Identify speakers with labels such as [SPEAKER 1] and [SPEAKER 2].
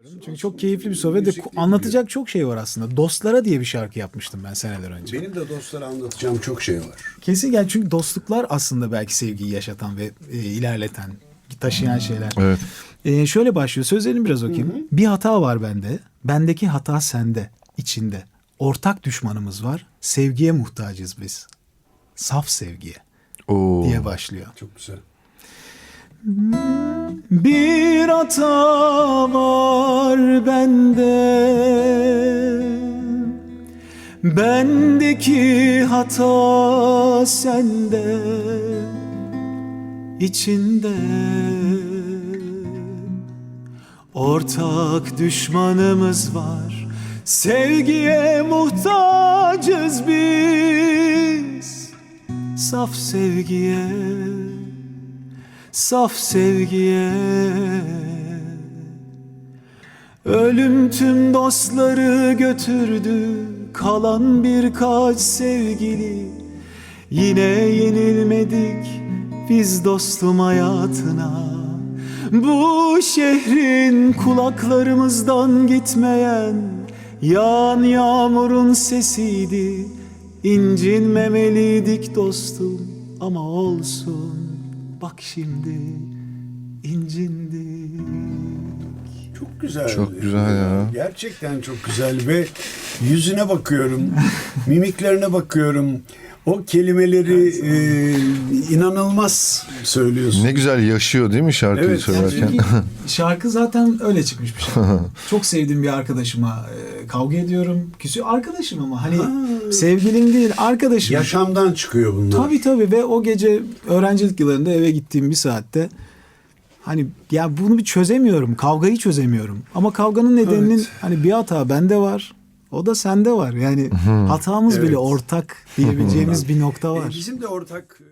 [SPEAKER 1] Çünkü çok keyifli bir sohbet ve anlatacak çok şey var aslında. Dostlara diye bir şarkı yapmıştım ben seneler önce.
[SPEAKER 2] Benim de dostlara anlatacağım çok şey var.
[SPEAKER 1] Kesin yani çünkü dostluklar aslında belki sevgiyi yaşatan ve ilerleten, taşıyan şeyler.
[SPEAKER 3] Evet.
[SPEAKER 1] Şöyle başlıyor. Sözlerini biraz okuyayım. Hı hı. Bir hata var bende. Bendeki hata sende, içinde. Ortak düşmanımız var. Sevgiye muhtacız biz. Saf sevgiye
[SPEAKER 3] Oo.
[SPEAKER 1] diye başlıyor.
[SPEAKER 2] Çok güzel.
[SPEAKER 1] Bir hata var bende. Bendeki hata sende, içinde. Ortak düşmanımız var. Sevgiye muhtacız biz. Saf sevgiye, saf sevgiye. Ölüm tüm dostları götürdü, kalan birkaç sevgili. Yine yenilmedik biz dostum hayatına. Bu şehrin kulaklarımızdan gitmeyen yağan yağmurun sesiydi. İncinmemeliydik dostum ama olsun. Bak şimdi incindik.
[SPEAKER 2] Çok güzel.
[SPEAKER 3] Çok güzel ya.
[SPEAKER 2] Gerçekten çok güzel ve yüzüne bakıyorum, mimiklerine bakıyorum. O kelimeleri inanılmaz söylüyorsun.
[SPEAKER 3] Ne güzel yaşıyor değil mi şarkıyı
[SPEAKER 2] Evet,
[SPEAKER 3] söylerken?
[SPEAKER 1] Çünkü şarkı zaten öyle çıkmış bir şey. Çok sevdiğim bir arkadaşıma kavga ediyorum. Arkadaşım ama hani sevgilim değil, arkadaşım.
[SPEAKER 2] Yaşamdan çıkıyor bunlar.
[SPEAKER 1] Tabii ve o gece öğrencilik yıllarında eve gittiğim bir saatte hani ya bunu bir çözemiyorum. Kavgayı çözemiyorum. Ama kavganın nedeninin hani bir hata bende var. O da sende var. Yani hatamız bile ortak diyebileceğimiz bir nokta var.
[SPEAKER 2] Bizim de ortak